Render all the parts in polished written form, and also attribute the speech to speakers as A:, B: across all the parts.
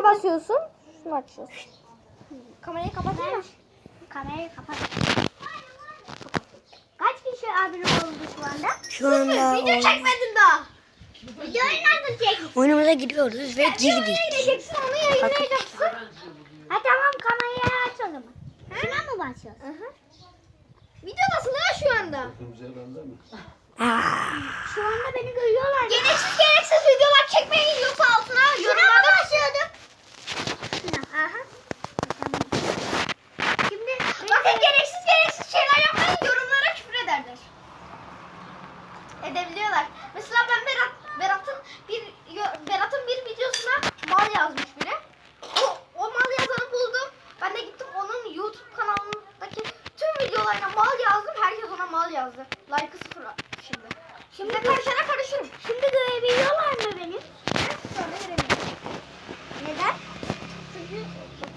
A: Şuna basıyorsun. Şunu açıyorsun.
B: Kamerayı kapatsana. Kamerayı kapat. Kaç kişi abone oldu şu anda?
C: Şu anda
B: Video çekmedin daha. Videoyu nasıl çektin?
C: oyunumuza giriyoruz ve
B: Sen onu
C: girdik.
B: yayınlayacaksın, onu yayınlayacaksın. Ha tamam, kamerayı aç o zaman. Şuna mı başlıyorsun?
A: Videodasın ha şu anda.
B: Şu anda beni görüyorlar.
A: Gereksiz videolar çekmeyin yoksa altına yorumlarda
B: başlıyorduk. Aha. Şimdi
A: bakın gereksiz şeyler yapmayın, yorumlara küfür ederler. Edebiliyorlar. Mesela ben Berat'ın bir videosuna mal yazmış biri. O mal yazanı buldum. Ben de gittim onun YouTube kanalındaki tüm videolarına mal yazdım. Herkes ona mal yazdı. Like'ı sıfır şimdi. Şimdi karışana karışırım.
B: Şimdi görebiliyorlar mı beni?
A: Sonra veremiyorum.
B: Neden?
A: Çünkü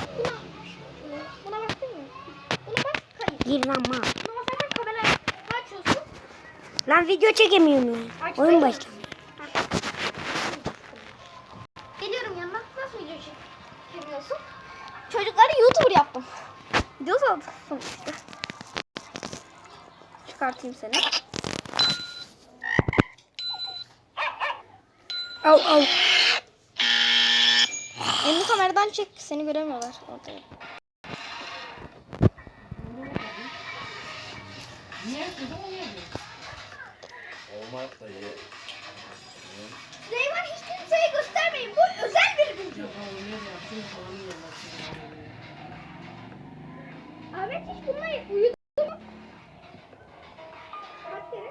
A: buna baktın mı? Buna bak kayıt.
C: Girmem ha.
A: Buna basarsan kamerayı açıyorsun.
C: Lan video çekemiyorum lan. Oyun başladı.
A: Geliyorum yanına. Nasıl video çekiyorsun? Çocukları YouTuber yaptım. Video sanatım işte. Çıkartayım seni.
C: Al al.
A: Elini kameradan çek. Seni göremiyorlar orada. Süleyman hiç kimseye göstermeyin. Bu özel bir video. Ahmet hiç bununla uyudu mu? Kaç kere?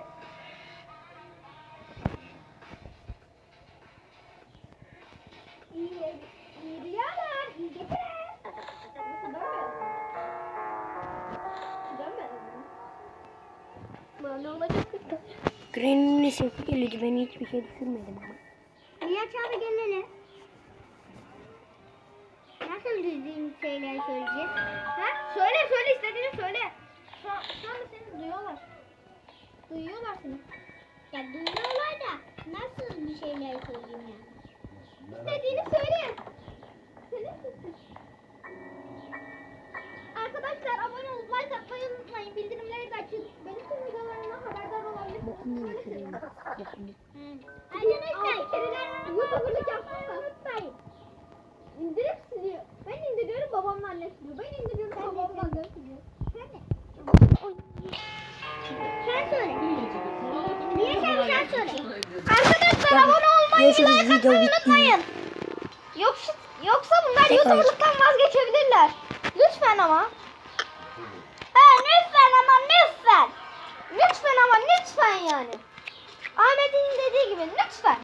A: İyi rüyalar, iyi geceler. Böyle olacak.
C: Granny'nin nesi geliyordu. Ben hiçbir şey düşünmedim ama.
B: Nihat abi gelene. Nasıl düzgün şeyler söyleyeceğiz?
A: Ha? Söyle istediğini söyle. Şu anda seni duyuyorlar. Duyuyorlar seni.
B: Ya duyuyorlar da nasıl bir şeyler söyleyeyim yani?
A: İstediğini söyle. Arkadaşlar abone olup like atmayı unutmayın. Bildirimleri de açın. Benim tüm videolarımdan haberdar olabilirsiniz.
B: Arkadaşlar
A: YouTuber'lık yapmayı unutmayın. İndirip siliyor. Ben indiriyorum, babamla anne siliyor. Ben indiriyorum, babamla anne siliyor.
B: sen söyle. Niye sen söyle?
A: Arkadaşlar abone olmayı,
C: Görüşürüz,
A: like
C: video
A: atmayı
C: bitti.
A: unutmayın. Yoksa bunlar
C: Tekrar.
A: YouTuber'lıktan vazgeçebilirler. Lütfen ama.
B: Lütfen ama lütfen.
A: Lütfen ama lütfen yani. Ahmet'in dediği gibi lütfen.